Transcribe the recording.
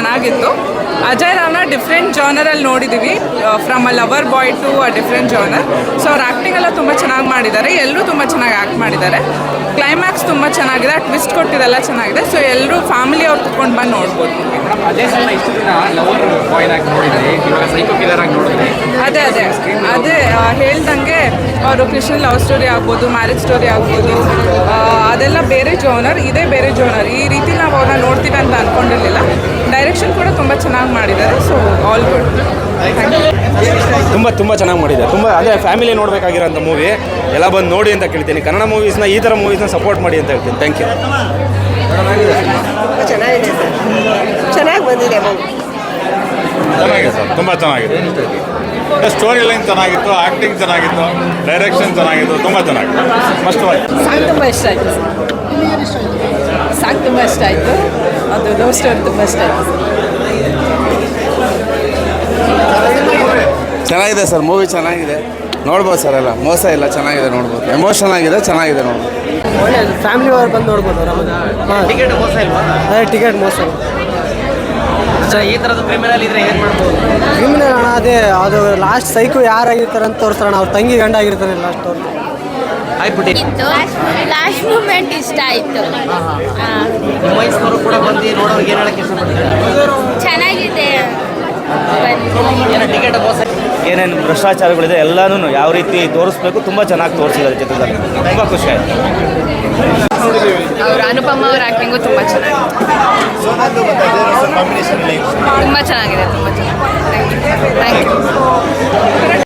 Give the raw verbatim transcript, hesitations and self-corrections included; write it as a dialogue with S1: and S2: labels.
S1: ಚೆನ್ನಾಗಿತ್ತು. ಅಜಯ್ ರಾವ್ನ ಡಿಫ್ರೆಂಟ್ ಜಾನರಲ್ಲಿ ನೋಡಿದ್ದೀವಿ, from a lover boy to a different genre. So ಅವ್ರ ಆ್ಯಕ್ಟಿಂಗ್ ಎಲ್ಲ ತುಂಬ ಚೆನ್ನಾಗಿ ಮಾಡಿದ್ದಾರೆ, ಎಲ್ಲರೂ ತುಂಬ ಚೆನ್ನಾಗಿ ಆ್ಯಕ್ಟ್ ಮಾಡಿದ್ದಾರೆ. ಕ್ಲೈಮ್ಯಾಕ್ಸ್ ತುಂಬ ಚೆನ್ನಾಗಿದೆ, ಟ್ವಿಸ್ಟ್ ಕೊಟ್ಟಿದ್ದೆಲ್ಲ ಚೆನ್ನಾಗಿದೆ. ಸೊ ಎಲ್ಲರೂ ಫ್ಯಾಮಿಲಿ ಅವ್ರು ಕುತ್ಕೊಂಡು ಬಂದು ನೋಡ್ಬೋದು. ಅದೇ ಅದೇ ಅದೇ ಹೇಳ್ದಂಗೆ ಅವರು ಕೃಷ್ಣ ಲವ್ ಸ್ಟೋರಿ ಆಗ್ಬೋದು, ಮ್ಯಾರೇಜ್ ಸ್ಟೋರಿ ಆಗ್ಬೋದು, ಅದೆಲ್ಲ ಬೇರೆ ಜೋನರ್, ಇದೇ ಬೇರೆ ಜೋನರ್. ಈ ರೀತಿ ನಾವು ಅವ್ರನ್ನ ನೋಡ್ತೀವಿ ಅಂತ ಅಂದ್ಕೊಂಡಿರಲಿಲ್ಲ. ಡೈರೆಕ್ಷನ್ ಕೂಡ ತುಂಬ ಚೆನ್ನಾಗಿ ಮಾಡಿದ್ದಾರೆ. So all good.
S2: ತುಂಬ ತುಂಬ ಚೆನ್ನಾಗಿ ಮಾಡಿದ್ದಾರೆ. ತುಂಬ ಅದೇ ಫ್ಯಾಮಿಲಿ ನೋಡಬೇಕಾಗಿರೋಂಥ ಮೂವಿ. ಎಲ್ಲ ಬಂದು ನೋಡಿ ಅಂತ ಕೇಳ್ತೀನಿ. ಕನ್ನಡ ಮೂವೀಸ್ನ ಈ ಥರ ಮೂವೀಸ್ನ ಸಪೋರ್ಟ್ ಮಾಡಿ ಅಂತ ಹೇಳ್ತೀನಿ. Thank you.
S3: ಚೆನ್ನಾಗಿದೆ ಸರ್, ಚೆನ್ನಾಗಿ ಬಂದಿದೆ ಮೂವಿ.
S4: ಚೆನ್ನಾಗಿದೆ ಸರ್, ತುಂಬ ಚೆನ್ನಾಗಿದೆ. ಸ್ಟೋರಿ ಲೈನ್ ಚೆನ್ನಾಗಿತ್ತು, ಆ್ಯಕ್ಟಿಂಗ್ ಚೆನ್ನಾಗಿತ್ತು, ಡೈರೆಕ್ಷನ್ ಚೆನ್ನಾಗಿತ್ತು, ತುಂಬ ಚೆನ್ನಾಗಿತ್ತು. ಮಸ್ತವಾಗಿ
S3: ಸಾಂಗ್ ತುಂಬ ಇಷ್ಟ ಆಯಿತು ಸರ್. ಸಾಂಗ್ ತುಂಬ ಇಷ್ಟ ಆಯಿತು. ಅದು ಲವ್ ಸ್ಟೋರಿ ತುಂಬ ಇಷ್ಟ ಆಯಿತು.
S5: ಚೆನ್ನಾಗಿದೆ ಸರ್, ಮೂವಿ ಚೆನ್ನಾಗಿದೆ, ನೋಡ್ಬೋದು ಸರ್. ಎಲ್ಲ ಮೋಸ ಇಲ್ಲ, ಚೆನ್ನಾಗಿದೆ, ನೋಡ್ಬೋದು. ಎಮೋಷನ್ ಆಗಿದೆ, ಚೆನ್ನಾಗಿದೆ, ನೋಡ್ಬೋದು.
S6: ಒಳ್ಳೆಯದು, ಫ್ಯಾಮಿಲಿ ಅವ್ರು ಬಂದು ನೋಡ್ಬೋದು ಆರಾಮಾಗಿ.
S7: ಟಿಕೆಟ್ ಮೋಸ ಇಲ್ವಾ?
S6: ಅದೇ ಟಿಕೆಟ್ ಮೋಸ ಇಲ್ಲ.
S7: ಈ ಥರದ್ದು ಕ್ರಿಮಿನಲ್ ಇದ್ರೆ ಏನು ಮಾಡ್ಬೋದು?
S6: ಕ್ರಿಮಿನಲ್ ಅಣ್ಣ, ಅದೇ ಅದು ಲಾಸ್ಟ್ ಸೈಕು ಯಾರಾಗಿರ್ತಾರೆ ಅಂತ ತೋರಿಸ್ತಾರಣ. ಅವ್ರ ತಂಗಿ ಗಂಡ ಆಗಿರ್ತಾರೆ ಲಾಸ್ಟ್ ಅವ್ರು.
S7: ಆಯ್ಬಿಟ್ಟು
S8: ಲಾಸ್ಟ್ ಮೂಮೆಂಟ್ ಇಷ್ಟ ಆಯಿತು.
S7: ನಿಮ್ಮ ವಯಸ್ಸಿನವರು ಕೂಡ ಬಂದು ನೋಡೋರಿಗೆ ಏನು ಹೇಳಕ್ಕೆ ಇಷ್ಟಪಡ್ತಾರೆ?
S8: ಚೆನ್ನಾಗಿದೆ.
S7: ಏನೋ ಟಿಕೆಟ್ ಮೋಸ,
S2: ಏನೇನು ಭ್ರಷ್ಟಾಚಾರಗಳಿದೆ ಎಲ್ಲನೂ ಯಾವ ರೀತಿ ತೋರಿಸ್ಬೇಕು ತುಂಬ ಚೆನ್ನಾಗಿ ತೋರಿಸಿದ್ದಾರೆ ಚಿತ್ರದಲ್ಲಿ. ತುಂಬ ಖುಷಿ ಆಯಿತು.
S1: ಅವ್ರ ಅನುಪಮ ಅವ್ರ ಆ್ಯಕ್ಟಿಂಗು ತುಂಬ ಚೆನ್ನಾಗಿದೆ, ತುಂಬ ಚೆನ್ನಾಗಿದೆ, ತುಂಬ ಚೆನ್ನಾಗಿದೆ. Thank you thank you